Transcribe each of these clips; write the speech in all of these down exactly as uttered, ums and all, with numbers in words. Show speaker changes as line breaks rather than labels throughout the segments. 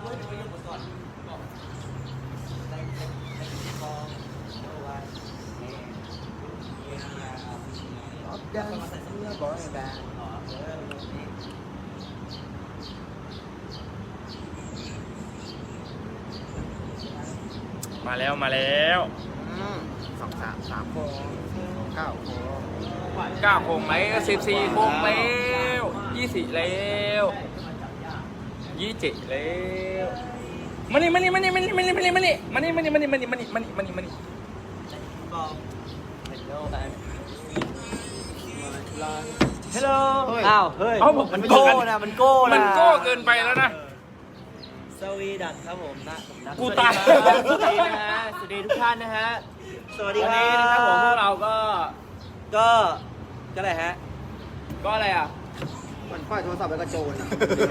มาแล้วมาแล้ว
สองสามสามโค้งเก้าโค้ง
เก้าโค้งไหมสิบสี่โค้งแล้วยี่สิบแล้วยี่สิบแล้วมานี่มานี่มานี่มานี่มานี่มานี่มานี่มานี่มานี่มานี่มานี่มานี่มานี่มานี่มานี่
ฮัลโหลอ้าวเฮ้ยมันโก้นะมันโก้นะ
มันโก้เกินไปแล้วนะ
สวีดัตครับผมนะ
กูตาย
สวัสดีนะฮะสวัสดีทุกท่านนะฮะสวัสดีครับวันนี้นะครับผมพวกเราก็ก็ก็อะไรฮะก็อะไรอ่ะ
มันค่อยโทรศัพท์ไปกระโจน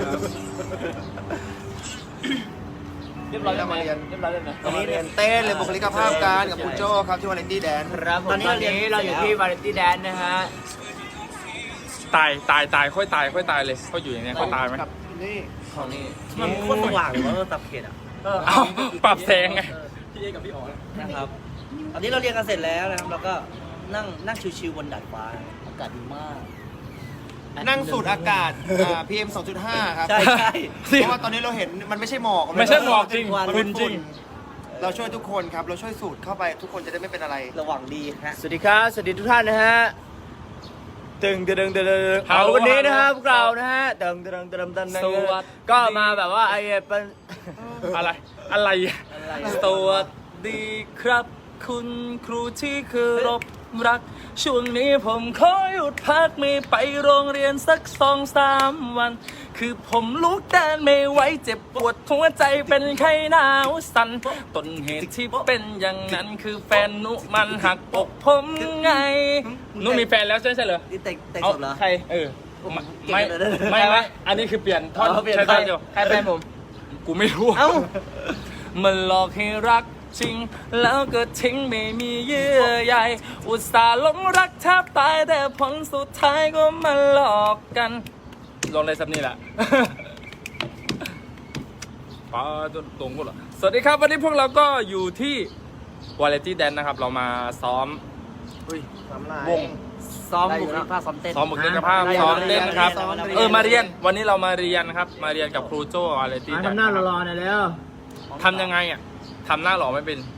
เรียบร้อยแล้วมาเรียนเรียบร้อยแล้วนะ
ตอนนี้เรียนเต้นเลยบุคลิกภาพการกับคุณโจ้ครับที่วาเลนตี้แดน
ครับตอนนี้เราอยู่ที่วาเลนตี้แดนนะฮะ
ตายตายตายค่อยตายค่อยตายเลยเขาอยู่อย่างเงี้ยเขาตายไหม
นี่
ของนี่มันโคตรสว่างเลยว่าตับเขตอ่ะ
เอ้าปรับแสงไง
พี่เอกับพี่อ๋อนะครับตอนนี้เราเรียนกันเสร็จแล้วนะครับแล้วก็นั่งนั่งชิวๆบนดาดฟ้าอากาศดีมาก
นั่งสูดอากาศ พี เอ็ม สองจุดห้า ครับ
ใช่ใช่
เพราะว่าตอนนี้เราเห็นมันไม่ใช่หมอก
ไม่ใช่หมอกจริง
ฝุ่นจริงเราช่วยทุกคนครับเราช่วยสูดเข้าไปทุกคนจะได้ไม่เป็นอะไร
ระวังดีฮะสวัสดีครับสวัสดีทุกท่านนะฮะตึงตึงตึงตึงเอาวันนี้นะครับพวกเรานะฮะตึงตึงตึงตึงตึงก็มาแบบว่าไอ้เป็น
อะไรอะไร
สวัสดีครับคุณครูที่คือรบรักช่วงนี้ผมขอหยุดพักไม่ไปโรงเรียนสักสองสามวันคือผมลุกเดินไม่ไหวเจ็บปวดหัวใจเป็นไข้หนาวสั่นต้นเหตุที่เป็นอย่างนั้นคือแฟนนุมันหักอกผมไง
นุมีแฟนแล้วใช่ใช่เหรอ
แต่แต่สดเหรอ
ใครเออไม่ไม่ไม่อันนี้คือเปลี่ยนท่อนใช่ใช่เดียว
ใครแฟนผม
กูไม่รู้
เอ้า
มันหลอกให้รักจริงแล้วก็ทิ้งไม่มีเยื่อใยอุตส่าห์หลงรักแทบตายแต่ผลสุดท้ายก็มาหลอกกันลงในซับนี่แหละป้าจนตรงกูเหรอสวัสดีครับวันนี้พวกเราก็อยู่ที่วาเลนตี้แดนนะครับเรามาซ้อมวง
ซ้อมบุคลิกภาพซ้อมเต้น
ซ้อมบุคลิกภาพซ้อมเต้นครับเออมาเรียนวันนี้เรามาเรียนครับมาเรียนกับครูโจ้วาเลนตี้แดน
ทำหน้ารอๆหน่อยแล้ว
ทำยังไงอ่ะทำหน้าหล่อไม่เป็น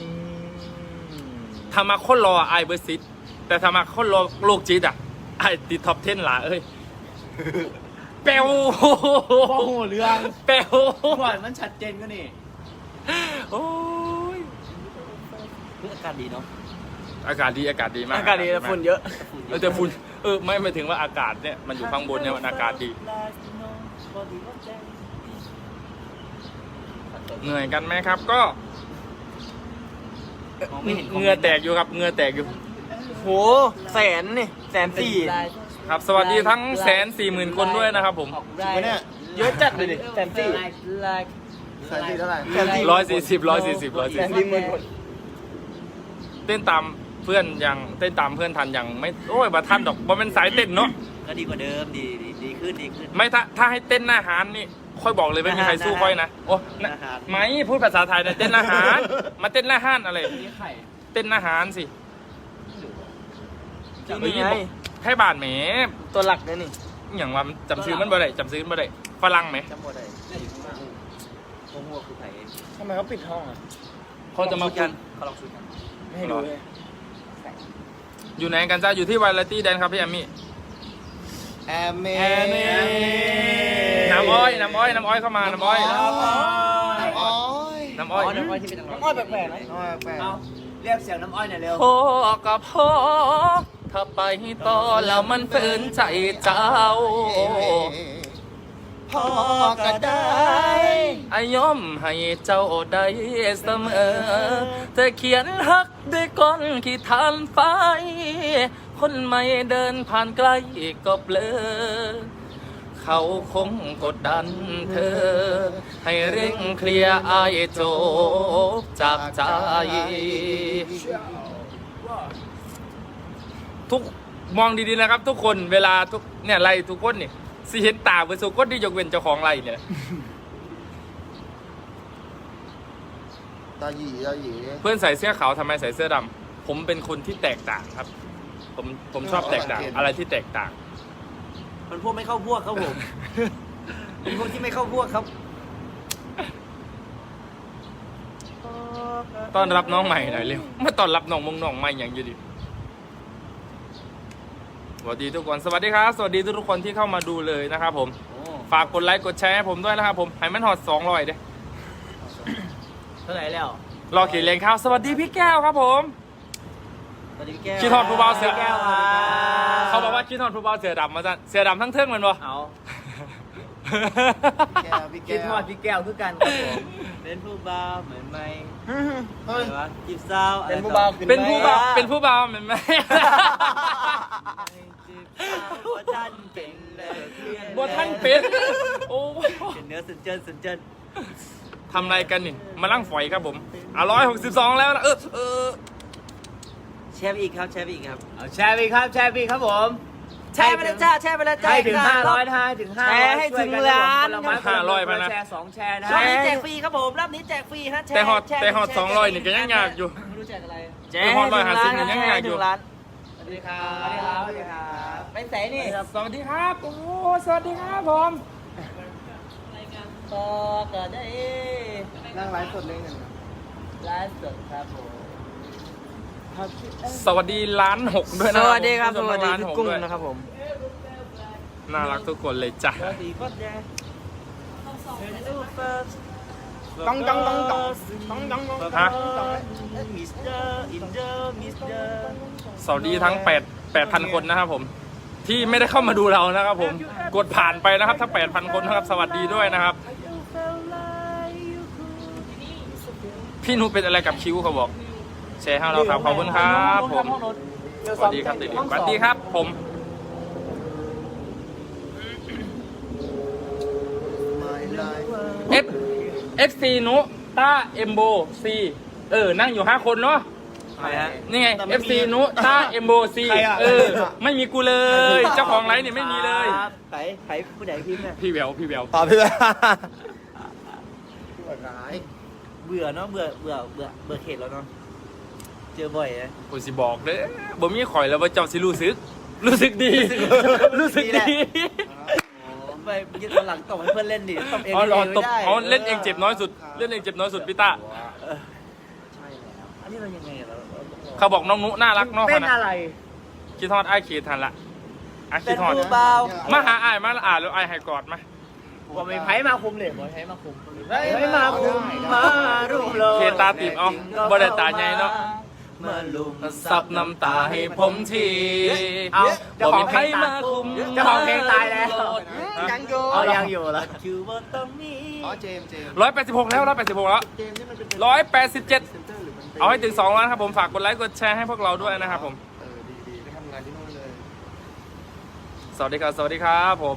ทำมาโคตรรอไอเบอร์ซิตแต่ทำมาโคตรรอโลกจิตอ่ะไอติดท็อปเทนหล่ะเอ้ยเปลว
โอ้โหเรื่อง
เปลว
ก่อนมันชัดเจนก็นี่
โอ้ย
อากาศดีเนาะ
อากาศดีอากาศดีมาก
อากาศดีแต่ฝุ่นเยอะ
เออแต่ฝุ่นเออไม่หมายถึงว่าอากาศเนี่ยมันอยู่ข้างบนเนี่ยมันอากาศดีเหนื่อยกันไหมครับก็เหงื่อแตกอยู่ครับเหงื่อแตกอยู่
โหแสนนี่แสนสี่
ครับสวัสดีทั้งแสนสี่หมื่นคนด้วยนะครับผม
เนี่ยเยอะจัดเลยดิแสนสี่
แสนสี่เท่าไหร่
ร้อยสี่สิบร้อยสี่สิบร้อยสี่สิบเต้นตามเพื่อนยังเต้นตามเพื่อนทันยังไม่โอ้ยบาทันดอกบอเป็นสายเต้นเนาะ
ก็ดีกว่าเดิมดีดีขึ้นดีขึ้น
ไม่ถ้าถ้าให้เต้นหน้าหารนี่ค่อยบอกเลยไม่มีใครสู้ค่อยนะโอ้ไม่พูดภาษาไทยนะเต้นอาหารมาเต้นหน้าห้านอะไรเต้นอาหารสิ
นี่ไง
ให้บาทแหม
ตัวหลักเลยนี่
อย่างว่าจำซื้อมันบ่ได้จำซื้อมันบ่ได้ฝรั่งไหม
จำบ่ได้หัวหัวคือไผ่
ทำไมเขาปิดห้องอ่ะ
เขาจะมา
กันเขาลองคุยกัน
ไม่ให้ดูเลย
อยู่ไหนกันจ้าอยู่ที่วาเลนตี้แดนครับพี่แอมมี่
แอมมี่
น้ำอ้อยน้ำอ้อยน้ำอ้อยเข้ามาน้ำอ้อย
น้ำอ้
อยน้ำอ้อยน้ำอ้อยที่เป็นน้ำอ้อยแปลกๆไหม
น้ำอ้อยแปลก
เรียกเสียงน้ำอ้อยหน่อยเร็ว
พ่อกับพ่อถ้าไปต่อแล้วมันฝืนใจเจ้า
พ่อก็ได้
อายอมให้เจ้าได้เสมอแต่เขียนฮักด้วยก้อนขี้ทานไฟคนไม่เดินผ่านใกล้ก็เบลอเขาคงกดดันเธอให้เร่งเคลียร์อายจบจากใจทุกมองดีๆนะครับทุกคนเวลาทุกเนี่ยไล่ทุกคนนี่สิเห็นตาเวสุคนที่ยกเว้นเจ้าของไล่เนี่ย
ตาหยีตาหยี
เพื่อนใส่เสื้อขาวทำไมใส่เสื้อดำผมเป็นคนที่แตกต่างครับ ผมผมชอบแตกต่างอะไรที่แตกต่าง
มันพวกไม่เข้าพวกครับผม เป็นพวกที่ไม่เข้าพวกครับ
ต้อนรับน้องใหม่หน่อยเร็วมาต้อนรับน้องมงน้องใหม่อย่างอยู่ดิสวัสดีทุกคนสวัสดีครับสวัสดีทุกคนที่เข้ามาดูเลยนะครับผมฝากกดไลค์กดแชร์ให้ผมด้วยนะครับผมให้มันหอดสองร้อยเด้
เท่าไหร่แล้ว
รอขีดเลงข้าวสวัสดีพี่แก้วครับผม
สวัสดีพี่แก้ว
คิดฮอดผู้บ่าวเสือ
แก้วครับ
เขาบอกว่าคิดฮอดผู้บ่าวเสือดำมาจ้ะเสือดำทั้งเทิงแมันบ่
เอา
แก้วพี่
คิ
แก้
ด
ว
ฮอดพี่แก้วคือกันครับผมเป็นผู้บ่าวเหมือนไหม
เฮ้ย
อะไรวะจีบสาว
เป็นผู้บ่าว
เป็นผู้บ่าวเป็นผู้บ่าวเหมือนไหม
จีบสาวว่าท่านเป็นเลยเพื่อน
บ่ท่านเป็นโอ้
เป็นเนื้อสุดเจินสุดเจิน
ทำอะไรกันนี่มาลั่งฝอยครับผมอ่ะร้อยหกสิบสองแล้วนะเออเออ
แชร์ไปอีกครับแชร์ไปอีกครับเอาแชร์ไปอีกครับแชร์ไปอีกครับผมแชร์ไปเลยจ้าแชร์ไปเลยจ้าให้ถึงห้าร้อยให้ถึงห้าร้อย
แชร์ให้ถึงล้าน
ห้าร้อยมานะ
แชร์สองแชร์นะ
รอบนี้แจกฟรีครับผมรอบนี้แจกฟรีฮะแชร์
แต่ฮอต
ชร์
แต่ฮอต
ชร์
สองร้อยนี่ก็ยังยากอยู่
ไม่รู้แจกอะไร
แจกให้
ร้อยห้าสิบ
ถึงล้าน
ยังไงอยู่
ถึงล้าน
สวัสดีครับสวัสดีครับสวัสดีครับไปไหนนี่
สวัสดีครับโอ้สวัสดีครับผม
ต่อก็ได้
นั่งไลฟ์สดเลยกัน
ไลฟ์สดครับผม
สวัสดีล้านหกด้วย
ส
นะ
วัสดีครับส
ผม
วัสดี
ล้าน
พี่
หก
กุ้ง
ด้วย
นะครับผม
น่ารักทุกคนเลยจ้ะ
สวัสดีก็แจ
ต้องต้องต้องต้องต้องต้องต้อง
ฮะ
มิสเตอร์อินเดอร์มิสเตอร์
สวัสดีทั้งแปด แปดพันคนนะครับผม ที่ไม่ได้เข้ามาดูเรานะครับผมกดผ่านไปนะครับทั้งแปดพันคนนะครับสวัสดีด้วยนะครับ พี่นุเป็นอะไรกับคิ้วเขาบอกแชร์ให้เราครับขอบคุณครับผมสวัสดีครับติดสวัสดีครับผม
ไม่ไลฟ์
F F C นุต้าเอมโบซีเออนั่งอยู่ห้าคนเนาะ
ใครฮะ
นี่ไง F C นุต้าเอมโบซีเออไม่มีกูเลย เจ้าของไลฟ์เนี่ยไม่มีเลย
ใครใครผู้ใดพิมพ์เนี่ย
พี่แววพี่แวว
ตอบพี่เลยปวดร้าย
เบื่อเนาะเบื่อเบื่อเบื่อเบื่อเขตแล้วเนาะเจอบ่อยนะ
กูสิบอกเลยบ่มีข่อยแล้วว่าเจ้าสิรู้สึก รู้สึกดี รู้สึกดี
ไปยึดวันหลังตบให้เพื่อนเล่นดิตบเอง
อ๋อ
เล่น
ต
ไม่
บ
ได้
อ๋อเล่นเองเจ็บน้อยสุด เล่นเองเจ็บน้อยสุดพี่ต้า
ใช่แล้ว
อันนี้เรายังไงอะเราเราต้องรอ
เขาบอกน้องนุน่ารักเนาะ
เป็น
นะ
อะไร
คิดทอดไอ้ายขีดทันละไอ้าย
เป็
คิ
น
ดทอด
ผู้เบา
มาหาไอ้ายมาอ่านแล้วไอ้ายให้กอดมา
ว่าไม่ไพ่มาคุมเลยบ่ไพ่มาคุมไพ่มาคุมมารุมเลย
เคตาติบเอาบ่ได้ตาใหญ่เนาะ
มาลุม
ซับน้ำตาให้ผมที
เอาเจ้า
บ่
ขอ
มี
ง
ใค
เพ
ร
ลง
มาคุม
เจ้าของเพลงตายแล้ว
ยังอยู่
เอายังอยู่แล้วคือว่าต้องมี
อ๋อเจมส์เจมส์
ร้อยแปดสิบหกแล้วร้อยแปดสิบหกแล้ว
เจมส์นี่มันเป็น
ร้อยแปดสิบเจ็ด
เซนเตอร์หรือมันเป็น
เอาให้ถึงสองล้านครับผมฝากกดไลค์กดแชร์ให้พวกเราด้วยนะครับผม
เออดีดีไปทำงานที่นู่นเลย
สวัสดีครับ สวัสดีครับผม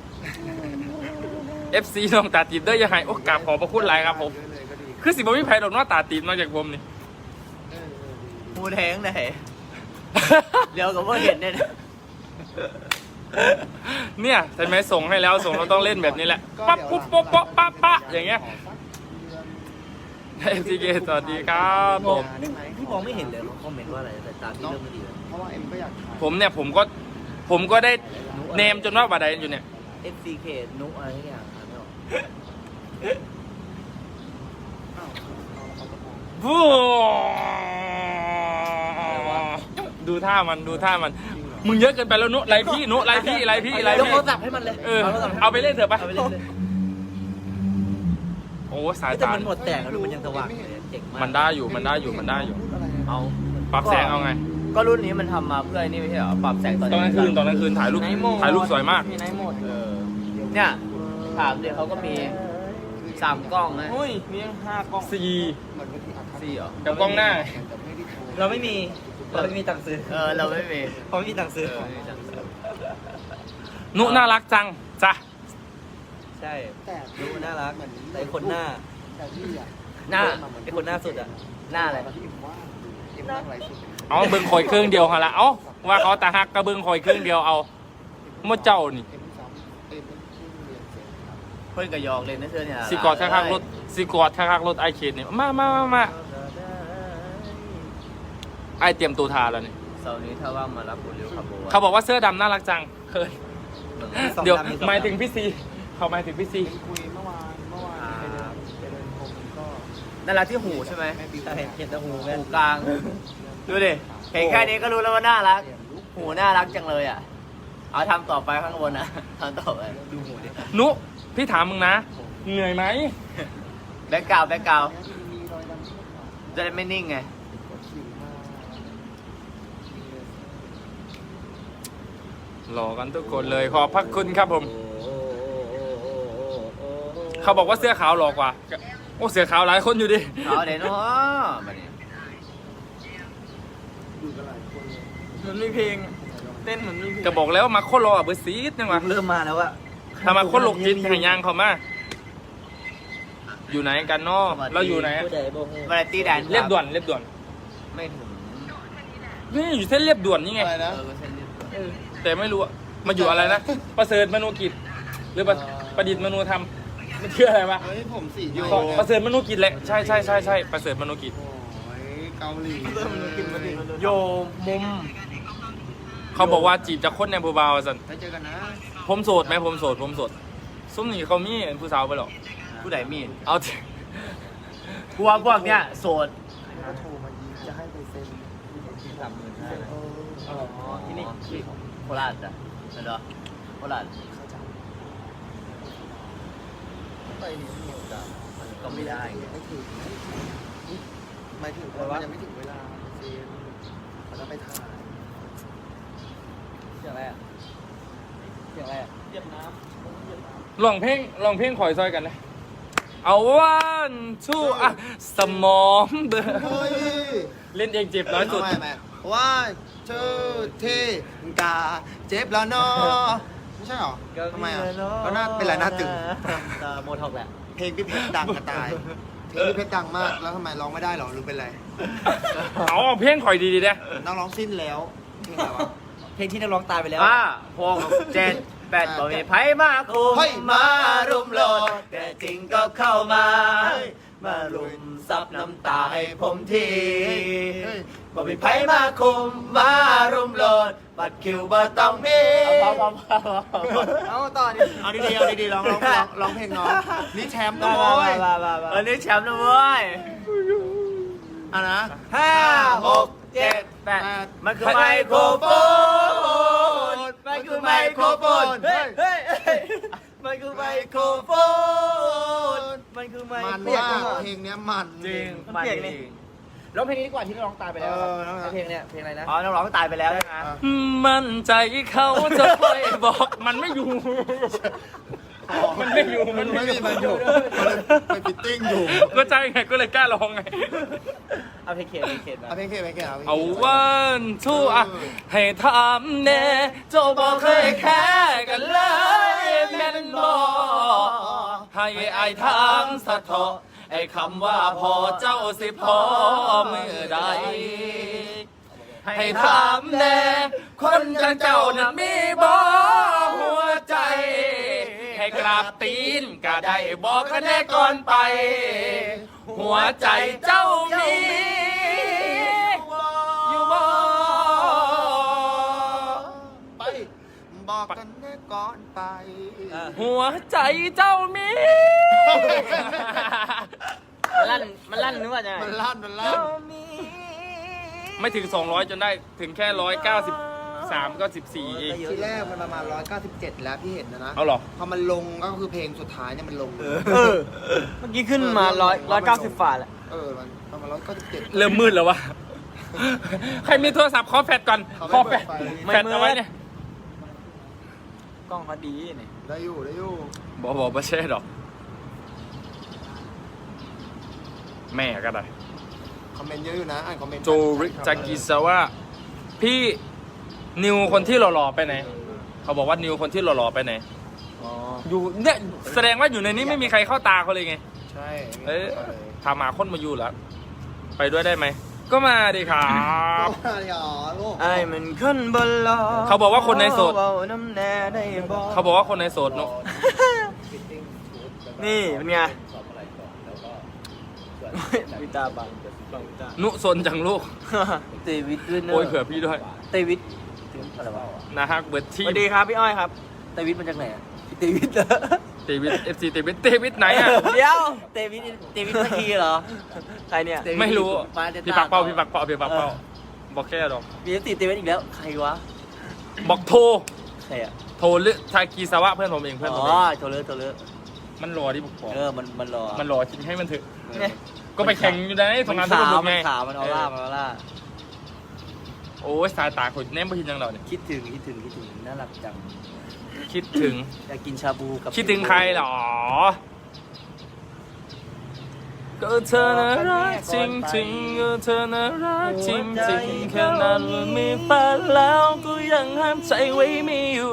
เอฟ ซี น้องตาตีบเด้อยังไงโอ้กราบขอบพระคุณหลายครับผม
เยอะเลยก็ดี
คือสิบ่มีไผดอกเน้อตาตีบนอกจากผมนี่
เออเออดีดี
มูแทงไหนเดี๋ยวกับว่าเห็นเนี่ย
เนี่ยใช่ไหมส่งให้แล้วส่งเราต้องเล่นแบบนี้แหละปั๊บปุ๊บปุ๊บป๊ะปั๊บปะอย่างเงี้ย เอฟ ซี เค สวัสดีครับผม
ได้ไหม
พี่มองไม่เห็นเลยคอมเมนต์ว่าอะไรแต่ตาพี่เริ่มไม่ดีแล้ว
เพราะว่าเอ็มก็อยากถ่าย
ผมเนี่ยผมก็ผมก็ได้เนมจนว่าบาดใดอยู่เนี่ย
เอฟซีเคนุอะไรทุกอย่างอ่านไม่ออก
อ้าวเอาเอากระโปรง
ฟูดูท่ามันดูท่ามัน มึงเยอะเกินไปแล้วนุไรพี่นุไรพี่ไรพี่ไร
ยก
พี่
โทรศัพท์ให้มันเลย
เออเอาไปเล่นเถอะไป
เอาไปเล่นเลย
โอ้สาย
แต่
ตา
มันหมดแตกแล้วดูมันยังสว่างเลยเจ๋งมาก
มันได้อยู่มันได้อยู่มันได้อยู่
พูดอะไรนะ
เอา
ปรับแสงเอาไง
ก็รุ่นนี้มันทำมาเพื่อไอ้นี่ไม่ใช่เหรอ ปรับแสงตอน
ตอนกลางคืนตอนกลางคืนถ่ายรูปถ่ายรูปสวยมาก
มีไนท์โหมด
เออเนี่ยถามเดี๋ยวเขาก็มีสามกล้องนะ
อุ้ยมียังห้ากล้อง
สี่
เหมือนบางทีอัด
สี่เหรอ
กับกล้องหน้า
แต่ไม่ได้โชว์
เราไม่มี เราไม่มีตังค์ซื้อ เออ เราไม่มีเพราะไม่มีตังค์ซื้อ
นุน่ารักจังจ้ะ
ใช่
แต่
ดูน่ารัก
เหมือน
แต่คนหน้า
แต่พี่อ่ะ
หน้าไอคนหน้าสุดอะหน้าอะไร
ที่เอ็มว่าเอ็มนั่งไรสุด
เอาเบิ้งคอยเครื่องเดียวฮะละเอาว่าเขาตาฮักก็เบิ้งคอยเครื่องเดียวเอาเมื่อเจ้านี่
เอ็มซ้ำเอ็มเพิ่งเรียนเสร็จครับ
พื่อนกับยอกเลยนะเธอเนี่ย
สีกอดข้างๆรถสีกอดข้างๆรถไอเคนเนี่ยมามามามาไอเตรียมตัวทาแล้วนี่
เสาร์นี้ถ้าว่างมารับบุญเร็วครับโบ
เขาบอกว่าเสื้อดำน่ารักจังเฮ้ย
สอง
เดี๋ยว
ดำมีสอง
หมาย
ดำ
ถึงพี่ซีเขาหมายถึงพี่ซี
คุยเมื่อวานเมื่อวานไปเดินไปเดินพรมก็
นั่นแหละที่หูใช่ไหม
แม่บิว
ใช่เห็นแต่หูแม่
หูกลาง ดูดิ เห็นแค่นี้ก็รู้แล้วว่าน่ารัก หูน่ารักจังเลยอ่ะ เอาทำต่อไปข้างบนนะทำต่อไปดูหูดิ
นุพี่ถามมึงนะ เหนื่อยไหม
แบ็กกราวด์แบ็กกราวด์จะได้ไม่นิ่งไง
หล่อกันทุกคนเลยขอบพระคุณครับผม เขาบอกว่าเสื้อขาวหล่อกว่า โอ้เสื้อขาวหลายคนอยู่ดิ
เอาเดี๋ยวเนาะมาดิ
อยู่กันหลายคนเลย
มันมีเพลง เต้นเหมือนมีเพลง
ก็บอกแล้วว่ามาโคตรรออ่ะเบอร์ซีดนึงวะ
เริ่มมาแล้วอะ
ถ้ามาโคตรหลกจิตหายางเขามา อยู่ไหนกันเนาะเราอยู่ไหน
ผู้ใดบ่ฮู้
มาตีแดน
เรียบด่วนเรียบด่วน
ไม่ถึง
นี่อยู่เส้นเรียบด่วนนี่ไง
อะไร
เอ
นะ
อเส้นเรียบด่วน
แต่ไม่รู้อะมาอยู่อะไรนะ ประเสริฐมนูกิจ หรือประประดิษฐ์มนูธรรมมันชื่ออะไรวะ
เฮ้ยผมสี
อยู่ประเสริฐมนูกิจแหละใช่ใช่ใช่ใช่ประเสริฐมนูกิจ
โอ้ยเกาหลี
โยมุม
เขาบอกว่าจีบจากคนในบูบาวสัน
ไปเจอกันนะ
ผมโสดไหมผมโสดผมโสดซุ้มนี่เขามีผู้สาวไปหรอก
ผู้ใดมีด
เอาเถอะ
กลัวพวกเนี้ยโสด
ก็โทรมายิงจะให้ไปเซ็น
สามหมื่นห้า
เออ
อ๋อที่นี่ที่โคราชอ่ะเหรอโคราช
เขาจะ
ไปนี่มีโอกาส
มันก็ไม่ได้ไง
ไม่ถึงหมายถึงว่ามันยังไม่ถึงเวลาเซ็นเขาจะไปถ่าย
เสียงอะไรอะเสียงอะไรอะเวียดนามเวียดนาม
ลองเพลงลองเพลงขอยซอยกันเลยเอาวันทูอ่ะสมองเบอร์
เฮ้ย
เล่นเองเจ็บน้อยสุด
ไม่ไม่ว่าเจอเทกาเจ็บแล้วเนาะไม่ใช่หรอทำไมอ่ะก็น่าเป็นไรหน้าตึง
ตาโมทอกแหละ
เพลงพี่เพชรดังกระตาย เพลงพี่เพชรดังมาก แล้วทำไมร้องไม่ได้หรอหรือเป็นไร
เอาเพลงข่อยดีๆนะ
น้องร้องสิ้นแล้วเพลงอะไรวะ
เพลงที่นักร้องตายไปแล้ว
ห้าหกเจ็ดแปดบ่มีไผมาคุม
เฮ้ย
มารุมโลดแต่จริงก็เข้ามา มารุมซับน้ำตาให้ผมที
เฮ้ย
บ่มีไผมาคุมมารุมโลดบัดคิวบ่ต้องมีเอาเอาเอา
เอาต่อดิ
เอาดีๆเอาดีๆร้องร้องร้องร้องเพลงน้องนี่แชมป์นะโว้ย
วันนี้แชมป์นะเว้ย
อ่ะนะ
ห้าหกเจ็ดแปดมันคือไมโครโฟนมันคือไมโครโฟนเฮ้ยเฮ้ยเฮ้ยมันคือไมโครโฟนมันคือไม
มัน
โคร
ว่า
โฟน
เพลงเนี้ยมัน
จริง
มันเปลี่ยนนี่ ร้องเพลงนี้ดีกว่าที่นักร้องตายไปแล้ว
เออนั่นแหละ
เพลงเนี้ยเพลงอะไรนะ
อ๋อนักร้องตายไปแล้วใช่ไหม
มั่นใจเขาจะคอยบอกมันไม่อยู่ มันไม่อยู่
มันไม่มีมันอยู่มันเลยไปฟิตติ้งอยู่
ก็ใจไงก็เลยกล้าร้องไง
เอาเพลงเขตเพลงเขตมา
เอาเพลงเคเพลงเคเอาเพลง
เอาวันทูอ่ะให้ถามแน่เจ้าบอกเคยแค่กันเลยแม่นบอกให้อายทางสะเทาะไอ้คำว่าพอเจ้าสิพอมือใด ให้ถามแน่คนจังเจ้านั้นมีบ่หัวใจ ให้กราบตีนก็ได้บอกกันแน่ก่อนไป หัวใจเจ้ามีอยู่บ่
ไปบอกกันแน่ก่อนไป
หัวใจเจ้ามี
มันลั่นมันลั่นนึกว่าจะไง
มันลั่นมันลั่น
ไม่ถึง สองร้อย จนได้ถึงแค่ หนึ่งร้อยเก้าสิบสาม ก็สิบสี่เอง
ทีแรกมันประมาณร้อยเก้าสิบเจ็ดแล้วพี่เห็นนะนะ
เอาเหรอ
พอมันลงก็คือเพลงสุดท้ายเนี่ยมันลง
เออ เมื่อกี้ขึ้นมาร้อยร้อยเก้าสิบฝ่าแหละ
เออมันประมาณร้อยเก้าสิบเจ็ด
เริ่มมืดแล้ววะ ใครมีโทรศัพท์ขอแฟดก่อน ขอแฟด
ไม่
แฟด
มืด
เอาไว้เนี่ย
กล้องเขาดีนี่
ได้อยู่ได้อยู่
บอกบอกไม่ใช่หรอก แม่ก็ได้
คอมเมนต์เยอะอยู่นะอ่านคอมเมนต์
โจริจากิซาวะพี่นิวคนที่หล่อๆไปไหน เขาบอกว่านิวคนที่หล่อๆไปไหน
อ๋อ
อยู่เนี่ยแสดงว่าอยู่ในนี้ไม่มีใครเข้าตาเขาเลยไง
ใช่
เอ้ยพามาคนมาอยู่แล้ว ไปด้วยได้ไหม ก็มาดิครับ
ไอ้มันขึ้นบนล้อ
เขาบอกว่าคนในโสด
เว้าน้ำแน่ได้บอก
เขาบอกว่าคนในโสดเนอะ
นี่เป็นไงวิตาบังบังวิตา
นุสนจังลูก
เตวิดด้วยเนอะ
โอ้ยเผื่อพี่ด้วย
เตวิดอะไรวะ
นะฮะเบิร์ด
ส
ที
วัสดีครับพี่อ้อยครับเตวิดมาจากไหนอะเตวิดเหรอ
เตวิดเอฟซีเตวิดเตวิดไหนอ่ะ
เดี๋ยวเตวิดเตวิดเมื่อกี้เหรอใครเนี่ย
ไม่รู้
มาเดต้
พี่ปักเป้าพี่ปักเป้าพี่ปักเป้าบอกแค่หรอก
มีติเตวิดอีกแล้วใครวะ
บอกโทร
ใครอะ
โทรหรือทากีสวะเพื่อนผมเองเพื่อนผม
อ๋
เอ
อง โทรเลอร์โทรเลอร์
มันรอที่บุกบอก
เออมันมันรอ
มันรอจริงให้มันเถอะ
เนี่ย
ก็ไปแข่งอยู่ในทำงานทุก
ขาว
คน
มั
ไง
นขาวมันออร่ามันออร่า
โอ้ยสายตาคนแนมไปทีนังเราเนี่ย
คิดถึงคิดถึงคิดถึงน่ารักจัง
คิดถึง
อยากกินชาบูกับ
คิดถึงใครหรอก็เธอน่ารักจริงๆก็เธอน่ารักจริงๆแค่นั้นมีแฟนแล้วก็ยังห้ามใจไว้ไม่อยู่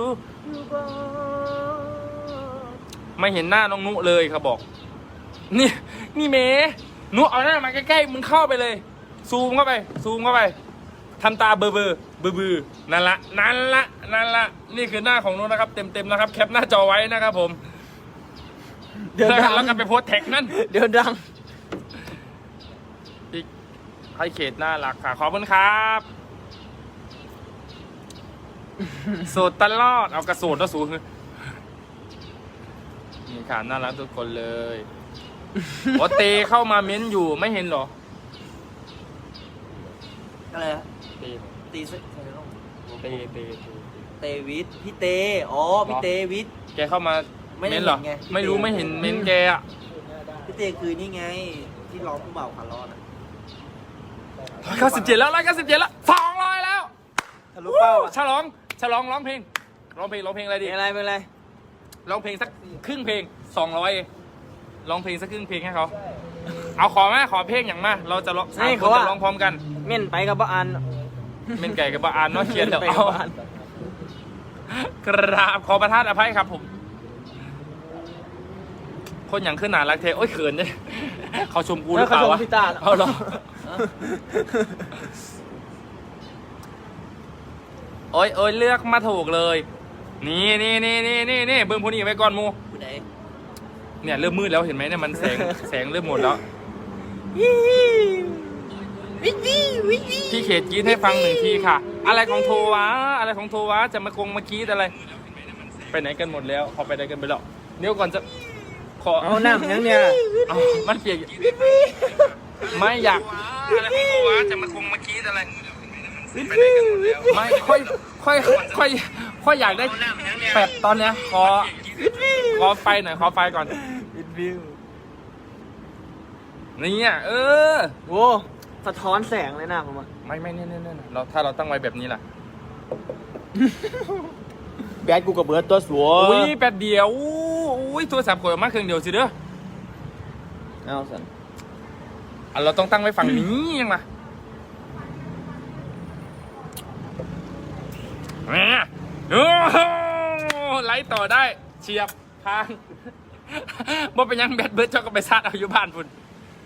ไม่เห็นหน้าน้องนุเลยครับบอก นี่นี่เมนุเอาหน้ามาใกล้ๆมึงเข้าไปเลย ซูมเข้าไป ซูมเข้าไปทำตาเบอร์เบอร์เบอร์เบอร์นั่นละนั่นละนั่นละนี่คือหน้าของนุนะครับ เต็มๆนะครับแคปหน้าจอไว้นะครับผม
เดี๋ยวดัง
แล้วก็ไปโพสต์แท็กนั่น
เดี๋ยวดัง
พี่ให้เขตน่ารักค่ะขอบคุณครับโสดตลอดเอากระโสดแล้วสูงนี่ค่ะน่ารักทุกคนเลยโอเตเข้ามาเม้นอยู่ไม่เห็นเหรอ
อะไรอะ
เต
ตีซึ
เตเต
เตวิทพี่เตอ๋อพี่เตวิท
แกเข้ามา
ไม่ได้
เม้นเหรอ
เห็นไง
ไม่รู้ไม่เห็นเม้นแกอ่ะ
พี่เตคือนี่ไงที่ร้องผู้บ่าวขาล้อน่ะ
ร้อยเก้าสิบเจ็ดแล้วร้อยเก้าสิบเจ็ดแล้วสองร้อยแล้ว
ทะลุเป้าอะ
ฉลองฉลองร้องเพลงร้องเพลงร้องเพลงอะไร
เป็
ดี
นอะไรเป็นอะไร
ร้องเพลงสักครึ่งเพลงสองร้อยร้องเพลงสักครึ่งเพลงให้เขาเอาขอมาขอเพลงอย่างมาเราจะร้องสามคนจะร้องพร้อมกัน
เม่นไปกับบ้าน
เป็นไก่กับบะอานเนาะเขียนเดี๋ยว
ไป
เอา
กับบ้าน
กราบขอประทานอภัยครับผม คนอย่างขึ้นหนารักเทโอ้ยเขินเนี่ยเขาชมกูหรือเปล่าวะ
เขาชมพี่ตา
เอาเหรอโอ้ยโอ้ยเลือกมาถูกเลย นี่นี่นี่นี่นี่นี่เบิ้งพวกนี้ไว้ก่อนหมู
ผู้ใด
เนี่ยเริ่มมืดแล้วเห็นไหมเนี่ยมันแสงแสงเริ่มหมดแล้ว
วิวิวิวิ
พี่เขตกรีดให้ฟังหนึ่งทีค่ะ อะไรของโทวะอะไรของโทวะจะมากงมากรีดอะไร ไปไหนกันหมดแล้วเขาไปไหนกันไปแล้วเดี๋ยวก่อนจะขอ
เอาหน้ามันยังเนี่ย
เอามันเปียกอยู่ไม่อยากอะไรของโทวะจะมากงมากรีดอะไรไปไหนกันหมดแล้วไม่ค่อยค่อยค่อยค่อยอยากได้แปดตอนเนี้ยขอขอไฟหน่อยขอไฟก่อน
วิดวิว
นี่อ่ะเออ
โว้สะท้อนแสงเลยนะผมอ่ะ
ไม่ไม่เนี่ยเนี่ยเนี่ยเราถ้าเราตั้งไว้แบบนี้ล่ะ
แบดกูกับเบิร์ดตัวสัว
อุ้ยแป๊บเดียวอุ้ยโทรศัพท์กดออกมาเครื่องเดียวสิเด้อ
เอาสัน
อ่ะเราต้องตั้งไว้ฝั่งนี้ยังมาแหมโอ้โหไลฟ์ต่อได้เฉียบทางบ่เป็นหยังแบดเบิร์ดเจ้าก็ไปซาดเอาอยู่บ้านพุ่น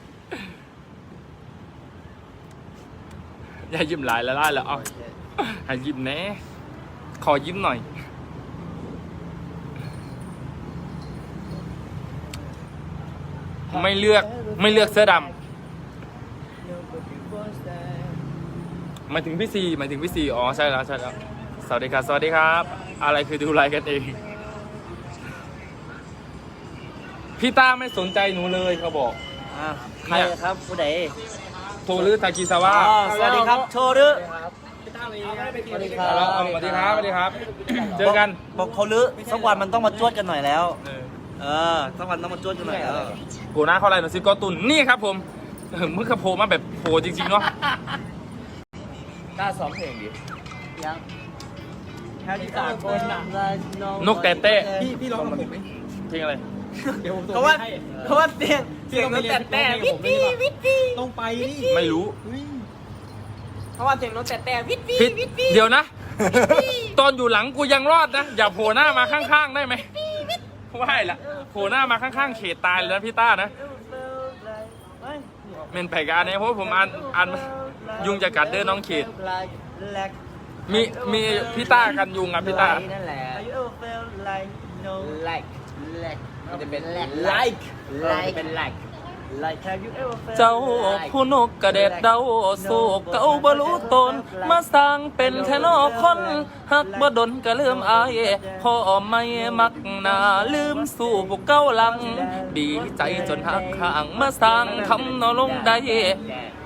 อย่ายิ้มหลายละล่ายแล้วเอาให้ยิ้มแน่ขอยิ้มหน่อยไม่เลือกไม่เลือกเสื้อดำหมายถึงพี่ซีหมายถึงพี่ซีอ๋อใช่แล้วใช่แล้วสวัสดีครับสวัสดีครับ อะไรคือดูไลฟ์กันเองพี่ต้าไม่สนใจหนูเลยเขาบอก
อ่าใครครับผู้ใด
โทรหรือทากิซาวะ
อ๋อสวัสดีครับโชว์รึสวัสดีครั
เอา
บ
เอาสวัสดีครับสวัสดีครับ เจอกัน
บอกเขาลือสักวันมันต้องมาจวดกันหน่อยแล้ว
เออ
เออสักวันต้องมาจวดกันหน่อยแล้ว
โผล่หน้าเข้าไรหน่อยสิก็ตุนนี่ครับผมเออมึงก็โผล่มาแบบโผล่จริงๆเนาะ
กล้าซ้อมเพลงดิยังแค่ที่สามคนน่ะ
นกแต่เต้
พี่พี่ร้องกับผมไหม
เพลงอะไร
เดี๋ยวผม
เพราะว่าเพราะว่าเสียงเสียงนกแต่แต่วิทวีวิทวี
ต้องไปนี่
ไม่รู้
เพราะว่าเสียงนกแต่แต่วิทวี
ผิด
วิทวี
เดี๋ยวนะ ตอนอยู่หลังกูยังรอดนะ อย่าโผล่หน้ามาข้างๆได้ไหมว่าให้ละโผล่หน้ามาข้างๆเขตตายเลยนะพี่ต้านะเมนแผกอันนี้เพราะผมอ่านอ่านยุงจะกัดเด้อน้องเขต มีมีพี่ต้ากันยุงอ่ะพี่ต้า
นั่นแหละ like like จะเป็น like like เป็น like like have you ever felt
เจ้าผู้นกกระเด็ดเดาโศกเก่าบรู้ตน มาสร้างเป็นแค่นอกคนหักบ่ดนก็ลืมอายพ่อไม่มักหนาลืมสู่พวกเก้าหลัง ดีใจจนหักข้างมาสร้างคำนอลงได้